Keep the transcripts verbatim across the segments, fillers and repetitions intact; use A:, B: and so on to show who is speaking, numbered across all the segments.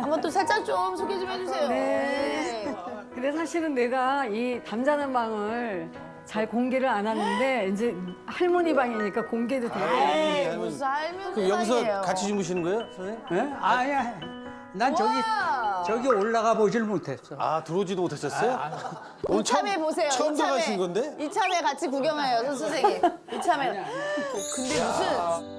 A: 한번 또 살짝 좀 소개 좀 해주세요.
B: 네. 근데 사실은 내가 이 담자는 방을 잘 공개를 안 하는데 이제 할머니 방이니까 공개도 되고.
A: 에이, 무슨 살면
C: 그럼 여기서 같이 주무시는 거예요, 선생님?
D: 예? 아니야. 난 저기
A: 와.
D: 저기 올라가 보질 못했어.
C: 아, 들어오지도 못하셨어요? 오늘
A: 이참에 보세요.
C: 처음
A: 이참에.
C: 들어가신 건데?
A: 이참에 같이 구경해요, 선 선생님. 이참에. 근데 무슨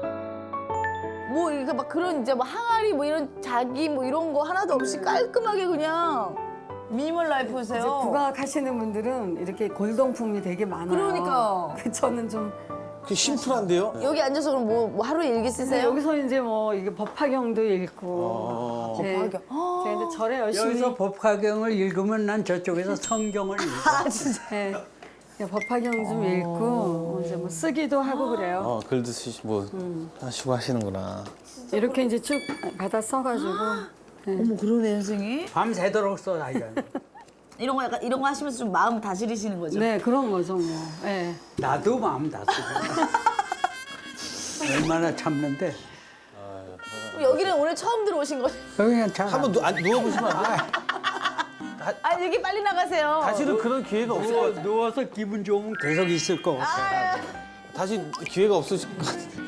A: 뭐 이렇게 막 그런 이제 뭐 항아리 뭐 이런 자기 뭐 이런 거 하나도 없이 깔끔하게 그냥 미니멀
B: 이제
A: 라이프세요.
B: 국악 하시는 분들은 이렇게 골동품이 되게 많아요.
A: 그러니까.
B: 그 저는 좀
C: 그 심플한데요?
A: 여기 앉아서 그럼 뭐, 뭐 하루에 일기
B: 근데
A: 쓰세요?
B: 여기서 이제 뭐 이게 법화경도 읽고.
C: 어.
B: 네.
A: 법화경.
B: 제가 이제 절에 열심히.
D: 여기서 법화경을 읽으면 난 저쪽에서 성경을 읽어.
A: 아 진짜.
B: 네. 네, 법화경 좀 읽고 이제 뭐 쓰기도 하고 그래요.
C: 어, 글도 쓰시, 뭐, 하시고 하시는구나.
B: 이렇게 이제 쭉 받아 써가지고. 네.
A: 어머 그러네 선생님.
D: 밤새도록 써, 아이가.
A: 이런 거 약간 이런 거 하시면서 좀 마음 다스리시는 거죠?
B: 네, 그런 거죠 뭐. 네.
D: 나도 마음 다 쓰고. 얼마나 참는데.
A: 여기는 오늘 처음 들어오신 거죠?
D: 그냥 잘.
C: 한번 누, 아, 누워보시면 안 돼요?
A: 아 여기 빨리 나가세요.
C: 다시는 그런 기회가 없을 것
D: 누워,
C: 같아요.
D: 누워서 기분 좋으면 계속 있을 거 같아.
C: 다시 기회가 없으실 것 같아요.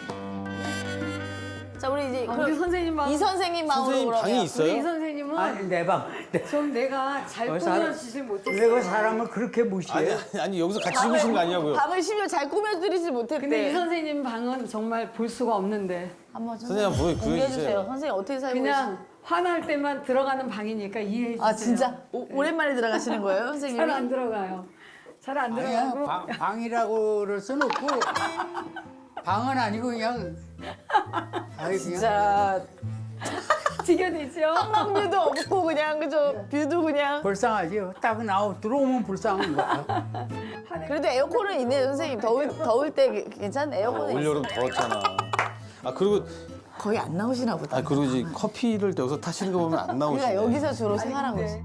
A: 자 우리 이제
B: 아,
A: 그럼
B: 우리 선생님 방.
A: 이 선생님 마음으로
C: 선생님
A: 그러면.
C: 방이
B: 우리 이
C: 있어요?
B: 선생님은
D: 아니, 내 방. 내-
B: 좀 내가 잘
D: 어, 사람-
B: 꾸며주질 못했어요.
D: 내가 사람을 그렇게
C: 아니,
D: 무시해.
C: 아니, 아니, 여기서 같이 주무시는 거 아니냐고요?
A: 방을 심지어 잘 꾸며드리지 못했대.
B: 근데 이 선생님 방은 정말 볼 수가 없는데
A: 한번
C: 선생님 한번 보여-
A: 공개해
C: 보여주세요.
A: 주세요. 선생님 어떻게 살고
B: 그냥 화날 때만 들어가는 방이니까 이해해 주세요.
A: 계세요? 아 진짜 오, 오랜만에 들어가시는 거예요, 선생님이?
B: 잘 안 들어가요. 잘 안
D: 아니야,
B: 들어가고.
D: 방, 방이라고 그럴 순 없고. 방은 아니고 그냥. 아이, 그냥.
A: 진짜
B: 지겨내죠.
A: 한강뷰도 없고 그냥 그저 뷰도 그냥.
D: 불쌍하지. 딱 나오 들어오면 불쌍한 거야.
A: 그래도 에어컨은 있네요, 선생님. 더울 더울 때 괜찮네.
C: 아,
A: 에어컨은 있어.
C: 올여름 더웠잖아. 아, 그리고,
A: 거의 안 나오시나 보다.
C: 아, 그리고 이제 커피를 여기서 타시는 거 보면 안 나오시네.
A: 그러니까 여기서 주로 생활하고 있어.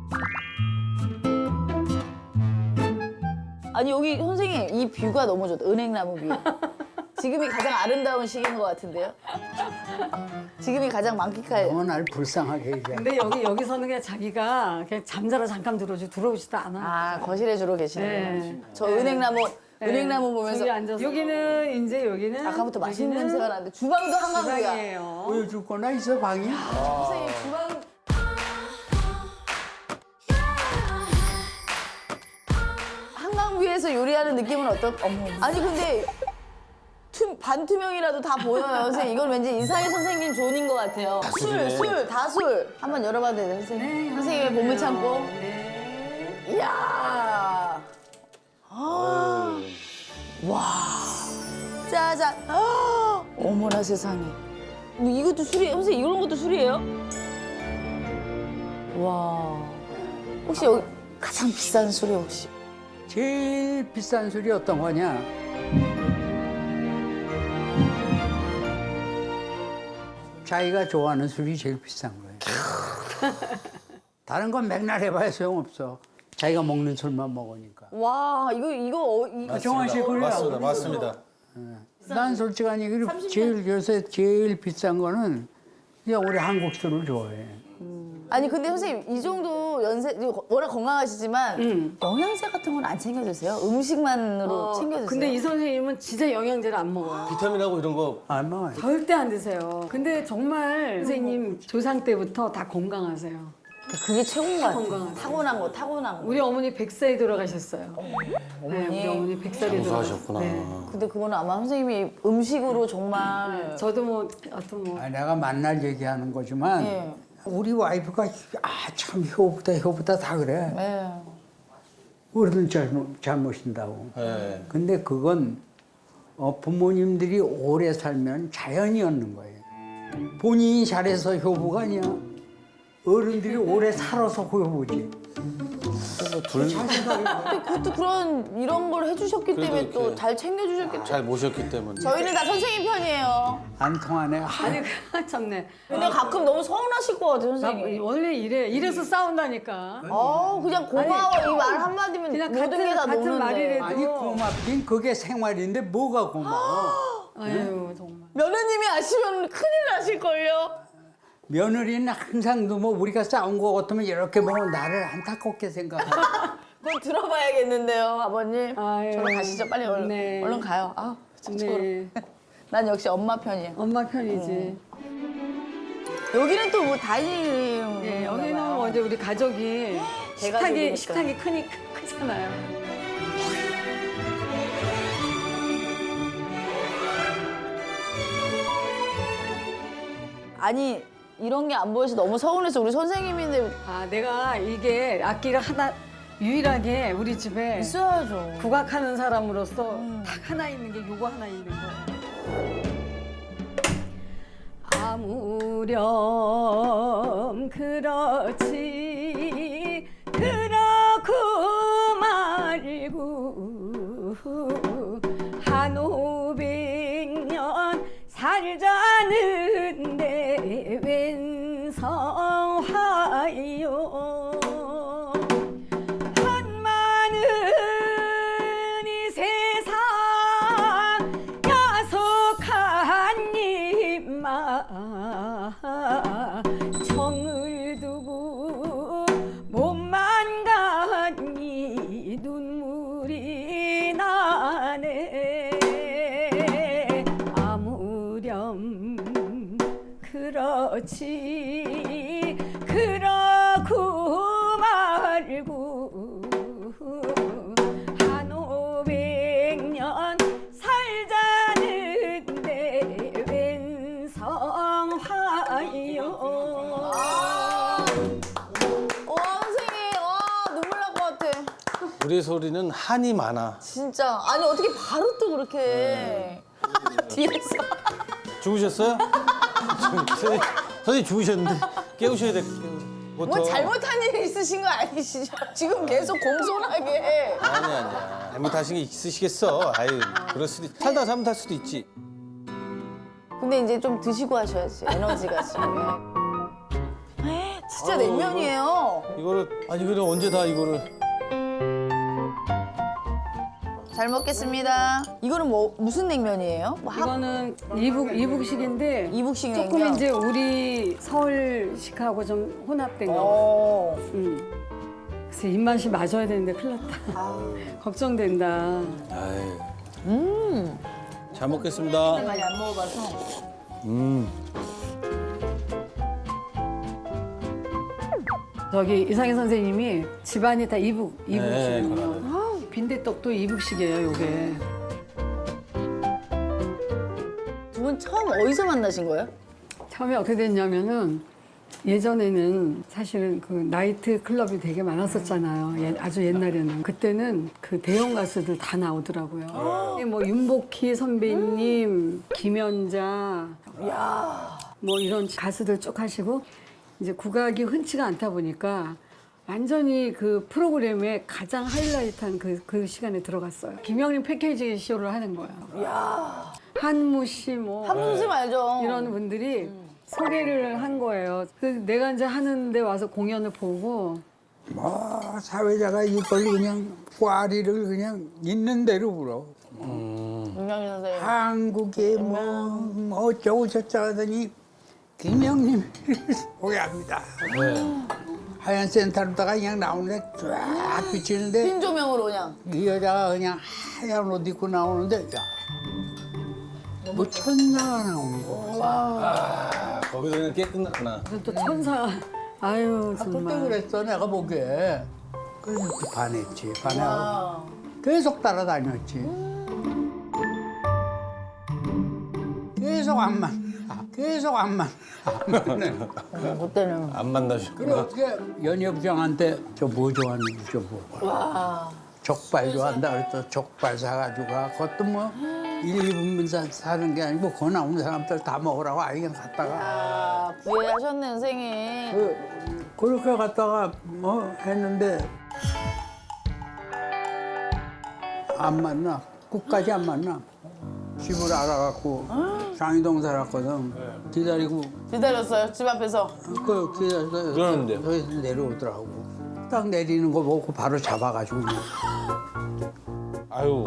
A: 아니 여기 선생님 이 뷰가 너무 좋다. 은행나무 뷰. 지금이 가장 아름다운 시기인 것 같은데요? 지금이 가장 만끽할.
D: 너무 날 불쌍하게 얘기해.
B: 근데 여기 여기서는 그냥 자기가 그냥 잠자러 잠깐 들어오지 들어오지도 않아.
A: 아 거실에 주로 계시네요.
B: 네.
A: 저 은행나무 은행나무 보면서
B: 저기 앉아서 여기는 이제 여기는
A: 아까부터 맛있는
B: 여기는
A: 냄새가 나는데 주방도 한강뷰야.
B: 주방이에요.
D: 보여줄 거나 있어 방이?
A: 선생님 주방 한강뷰에서 요리하는 느낌은 어떨? 어머. 아니 근데 투, 반투명이라도 다 보여요, 선생님. 이건 왠지 이사희 선생님 존인 것 같아요. 술,
C: 술이네.
A: 술, 다 술. 한번 열어봐도 돼요, 선생님? 선생님의 몸을 참고.
B: 네.
A: 이야. 아. 와. 짜잔. 아. 어머나 세상에. 뭐 이것도 술이에요? 선생님 이런 것도 술이에요? 와. 혹시 여기 가장 비싼 술이 혹시?
D: 제일 비싼 술이 어떤 거냐? 자기가 좋아하는 술이 제일 비싼 거예요. 다른 건 맨날 해봐야 소용없어. 자기가 먹는 술만 먹으니까.
A: 와, 이거 이거 어, 이거
D: 정환 씨 그래요.
C: 맞습니다, 맞습니다.
D: 난 솔직한 얘기로 제일 요새 제일 비싼 거는 그냥 우리 한국 술을 좋아해.
A: 아니 근데 선생님 이 정도 연세 워낙 건강하시지만
B: 음.
A: 영양제 같은 건 안 챙겨 드세요? 음식만으로
B: 어,
A: 챙겨 드세요?
B: 근데 이 선생님은 진짜 영양제를 안 먹어요.
C: 비타민하고 이런 거
D: 안 먹어요.
B: 절대 안 드세요. 근데 정말 선생님 조상 때부터 다 건강하세요.
A: 그게 최고인 것 같아요.
B: 건강하세요.
A: 타고난 거, 타고난 거.
B: 우리 어머니 백 살에 돌아가셨어요. 네, 우리 어머니 백 살에
C: 장수하셨구나.
B: 돌아가셨어요.
A: 근데 그거는 아마 선생님이 음식으로 정말
B: 네. 저도 뭐 어떤 뭐
D: 아, 내가 만날 얘기하는 거지만
A: 예.
D: 우리 와이프가 아 참 효보다 효보다 다 그래.
A: 네.
D: 어른 잘못, 잘못인다고.
C: 네.
D: 근데 그건 어, 부모님들이 오래 살면 자연이 얻는 거예요. 본인이 잘해서 효보가 아니야. 어른들이 오래 살아서 효보지.
C: 둘,
A: 근데 그것도 그런 이런 걸 해주셨기
C: 그래도
A: 때문에 또
C: 이렇게
A: 잘 챙겨주셨겠죠.
C: 잘 모셨기 때문에.
A: 저희는 다 선생님 편이에요.
D: 안 통하네.
B: 아니 그 참네.
A: 근데 가끔 너무 서운하실 것 같아요,
B: 나
A: 선생님.
B: 원래 이래 이래서 싸운다니까.
A: 어, 그냥 고마워 이 말 한마디면
B: 그냥
A: 모든
B: 같은-
A: 게 다
B: 같은
A: 노는데.
B: 말이래도.
D: 아니 고맙긴 그게 생활인데 뭐가 고마워.
B: 아유 정말.
A: 며느님이 아시면 큰일 나실걸요?
D: 며느리는 항상 뭐 우리가 싸운 거 같으면 이렇게 보면 나를 안타깝게 생각하고.
A: 그건 들어봐야겠는데요, 아버님.
B: 아유,
A: 저로 가시죠. 빨리 얼른,
B: 네.
A: 얼른 가요. 아, 저쪽으로.
B: 네.
A: 난 역시 엄마 편이야.
B: 엄마 편이지.
A: 여기는 또 뭐 다이닝.
B: 예, 여기는 먼저 우리 가족이 식탁이
A: 대가족이니까.
B: 식탁이 크니 크- 크잖아요.
A: 아니 이런 게 안 보여서 너무 서운해서 우리 선생님인데
B: 아, 내가 이게 악기를 하나 유일하게 우리 집에
A: 있어야죠.
B: 국악하는 사람으로서 딱 하나 있는 게 요거 하나 있는 거. 아무렴 그렇지 그렇고 말고 한 오백 년 살자는데 웬 성화요 한마는 이 세상 야속한 입마 정을 두고 몸만 가니 눈물이 나네 아무렴 그렇지 그렇고 말고 한 오백 년 살자는데 웬 성화요
A: 와 선생님, 와 눈물 날 것 같아.
C: 우리 소리는 한이 많아.
A: 진짜 아니 어떻게 바로 또 그렇게 뒤에서
C: 죽으셨어요? 선생님, 선생님 죽으셨는데 깨우셔야 돼.
A: 뭐 잘못한 일이 있으신 거 아니시죠? 지금 계속 공손하게.
C: 아니 아니야. 잘못하신 게 있으시겠어. 아유, 그럴 수도 있... 살다 잘못할 수도 있지.
A: 근데 이제 좀 드시고 하셔야지 에너지가 지금. 진짜 냉면이에요.
C: 이거를 아니 그래 언제 다 이거를
A: 잘 먹겠습니다. 이거는 뭐 무슨 냉면이에요? 뭐 학-
B: 이거는 이북 이북식인데
A: 이북식
B: 조금
A: 냉면.
B: 이제 우리 서울식하고 좀 혼합된 거.
A: 어.
B: 음. 그래서 입맛이 맞아야 되는데 큰일 났다. 걱정된다.
C: 아유. 음. 잘 먹겠습니다.
A: 많이 안 먹어봐서.
C: 음.
B: 저기 이상희 선생님이 집안이 다 이북 이북식이에요.
C: 그러네.
B: 아, 빈대떡도 이북식이에요, 요게.
A: 두 분 처음 어디서 만나신 거예요?
B: 처음에 어떻게 됐냐면은 예전에는 사실은 그 나이트 클럽이 되게 많았었잖아요. 예- 아주 옛날에는. 그때는 그 대형 가수들 다 나오더라고요. 뭐 윤복희 선배님, 김연자, 뭐 이런 가수들 쭉 하시고 이제 국악이 흔치가 않다 보니까 완전히 그 프로그램에 가장 하이라이트한 그, 그 시간에 들어갔어요. 김영림 패키지 쇼를 하는 거예요. 한무 씨, 뭐
A: 한분 선생님 알죠?
B: 이런 분들이 소개를 한 거예요. 그래서 내가 이제 하는데 와서 공연을 보고
D: 뭐 사회자가 이걸 그냥 꽈리를 그냥 있는 대로 불어.
A: 김영희 선생님.
D: 한국에 뭐 어쩌고 저쩌고 하더니 김영님 소개합니다.
C: 네.
D: 하얀 센터로다가 그냥 나오는데 쫙 비치는데
A: 흰 조명으로 그냥.
D: 이 여자가 그냥 하얀 옷 입고 나오는데 야, 뭐 천사가 나오는 거.
C: 아, 거기서 그냥 깨 끝났구나.
B: 그래서 또 천사 아유
D: 그때
B: 정말
D: 그랬어 내가 보기에. 그래서 그 반했지. 반하고 계속 따라다녔지. 계속 안 만나. 계속 안 만나.
A: 어, 그때는.
C: 안
D: 그래
C: 만나셨구나.
D: 어떻게 연희부장한테 저 뭐 좋아하는지 좀 먹어봐.
A: 와.
D: 족발 좋아한다 그래서 족발 사가지고 가. 그것도 뭐 일, 이 분만 사- 사는 게 아니고 거 나오는 사람들 다 먹으라고 아예 그냥 갔다가
A: 아, 부회하셨네, 선생님.
D: 그, 그렇게 갔다가 뭐 했는데 안 만나. 끝까지 안 만나. 집을 알아갖고 장이동 살았거든. 기다리고
A: 기다렸어요, 집 앞에서.
D: 그 기다려서
C: 그러는데.
D: 여기서 내려오더라고. 딱 내리는 거 보고 바로 잡아가지고 그냥
C: 아유.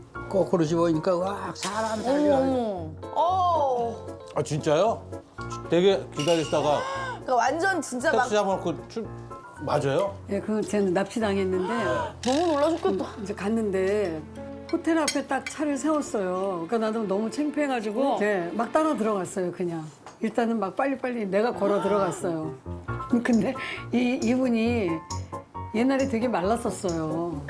D: 거꾸로 집어니까 와 사람
A: 어머,
D: 살려.
A: 어머. 어.
C: 아 진짜요? 되게 기다리시다가
A: 그러니까 완전 진짜 막
C: 택시 잡아놓고 출 맞아요?
B: 예, 그 쟤는 납치당했는데
A: 너무 놀라 죽겠다.
B: 이제 갔는데 호텔 앞에 딱 차를 세웠어요. 그러니까 나도 너무 창피해가지고 네, 막 따라 들어갔어요, 그냥. 일단은 막 빨리빨리 내가 걸어 들어갔어요. 근데 이, 이분이 옛날에 되게 말랐었어요.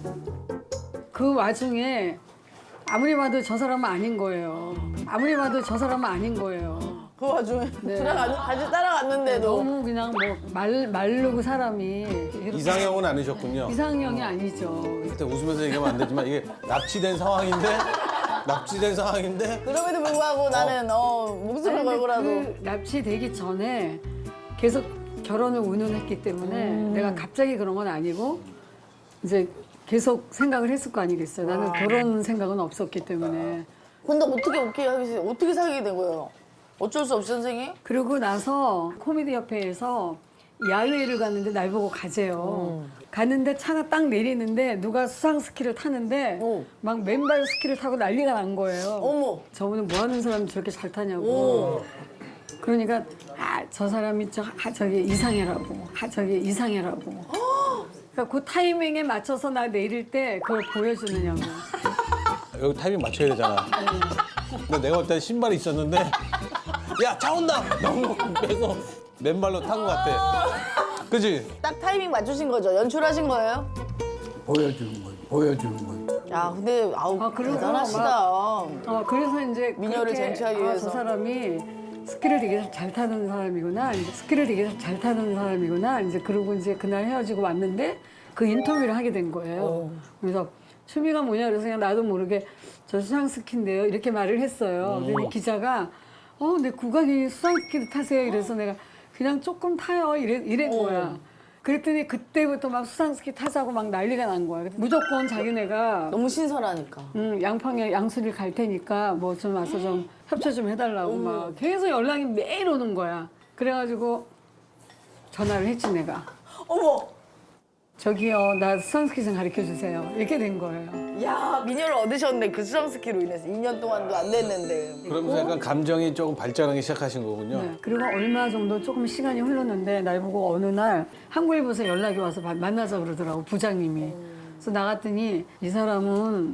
B: 그 와중에 아무리 봐도 저 사람은 아닌 거예요. 아무리 봐도 저 사람은 아닌 거예요.
A: 그 와중에
B: 네.
A: 들어가 같이 따라갔는데도
B: 너무 그냥 뭐 말, 마르고 사람이 이렇게
C: 이상형은 아니셨군요.
B: 이상형이 아니죠.
C: 그때 웃으면서 얘기하면 안 되지만 이게 납치된 상황인데 납치된 상황인데
A: 그럼에도 불구하고 나는 어 목숨을
B: 아니, 근데
A: 걸고라도
B: 그 납치되기 전에 계속 결혼을 운운했기 때문에 내가 갑자기 그런 건 아니고 이제 계속 생각을 했을 거 아니겠어요. 나는 결혼 생각은 없었기 때문에.
A: 근데 어떻게 오케이 하겠어요? 어떻게 사귀게 된 거예요? 어쩔 수 없이 선생님?
B: 그러고 나서 코미디 협회에서 야외를 갔는데 날 보고 가재요. 갔는데 차가 딱 내리는데 누가 수상 스키를 타는데
A: 오.
B: 막 맨발 스키를 타고 난리가 난 거예요.
A: 어머.
B: 저분은 뭐 하는 사람이 저렇게 잘 타냐고. 그러니까 아, 저 사람이 저, 아, 저기 이상해라고. 아, 저기 이상해라고. 그러니까 그 타이밍에 맞춰서 나 내릴 때 그걸 보여주느냐고.
C: 여기 타이밍 맞춰야 되잖아. 근데 내가 볼 때 신발이 있었는데 야 차 온다! 너무 빼서 맨발로 탄 것 같아. 그지?
A: 딱 타이밍 맞추신 거죠? 연출하신 거예요?
D: 보여주는 거예요. 보여주는 거예요.
A: 야 근데 아우
B: 아, 그리고
A: 대단하시다.
B: 어, 그래서 이제
A: 미녀를
B: 그렇게,
A: 쟁취하기
B: 아,
A: 위해서.
B: 저 사람이 스키를 되게 잘 타는 사람이구나. 이제 스키를 되게 잘 타는 사람이구나. 이제 그러고 이제 그날 헤어지고 왔는데 그 인터뷰를 하게 된 거예요. 그래서 취미가 뭐냐 그래서 그냥 나도 모르게 저 수상 스키인데요. 이렇게 말을 했어요. 그랬더니 기자가 어, 내 국악이 수상 스키를 타세요. 이래서 내가 그냥 조금 타요. 이래, 이런 거야. 그랬더니 그때부터 막 수상 스키 타자고 막 난리가 난 거야. 무조건 자기네가
A: 너무 신선하니까.
B: 음, 양평에 양수리를 갈 테니까 뭐 좀 와서 좀 협조 좀 해달라고 막 계속 연락이 매일 오는 거야. 그래가지고 전화를 했지 내가.
A: 어머.
B: 저기요, 나 수상스키 좀 가르쳐 주세요. 이렇게 된 거예요.
A: 야 미녀를 얻으셨네 그 수상스키로 인해서 이 년 동안도 안 됐는데.
C: 그러면서 약간 감정이 조금 발전하기 시작하신 거군요.
B: 네. 그리고 얼마 정도 조금 시간이 흘렀는데 날 보고 어느 날 한국일보에서 연락이 와서 마- 만나자 그러더라고 부장님이. 그래서 나갔더니 이 사람은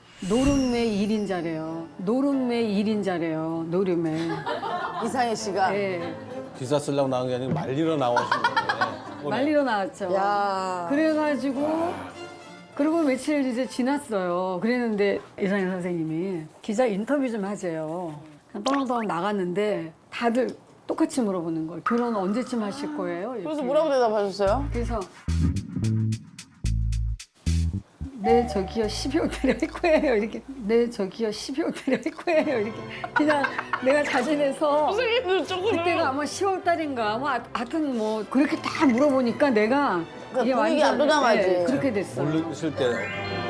B: 노름의 일인자래요. 노름의 일인자래요. 노름의.
A: 이상해 씨가.
B: 네.
C: 기사 쓰려고 나온 게 아니고 말리러 나오신 거예요.
B: 말리러 나왔죠.
A: 야.
B: 그래가지고 그리고 며칠 이제 지났어요. 그랬는데 이상현 선생님이 기자 인터뷰 좀 하재요. 그냥 떠렁떠렁 나갔는데 다들 똑같이 물어보는 거예요. 결혼 언제쯤 하실 거예요? 이렇게.
A: 그래서 뭐라고 대답하셨어요?
B: 그래서 네 저기요 십이월 달에 할 거예요 이렇게 네 저기요 십이월 달에 할 거예요 이렇게 그냥 내가 자진해서 그때가 아마 시월 달인가 뭐 하- 하여튼 뭐 그렇게 다 물어보니까 내가
A: 그러니까 분위기 압도당하지.
B: 네, 그렇게 됐어요.
C: 모르실 때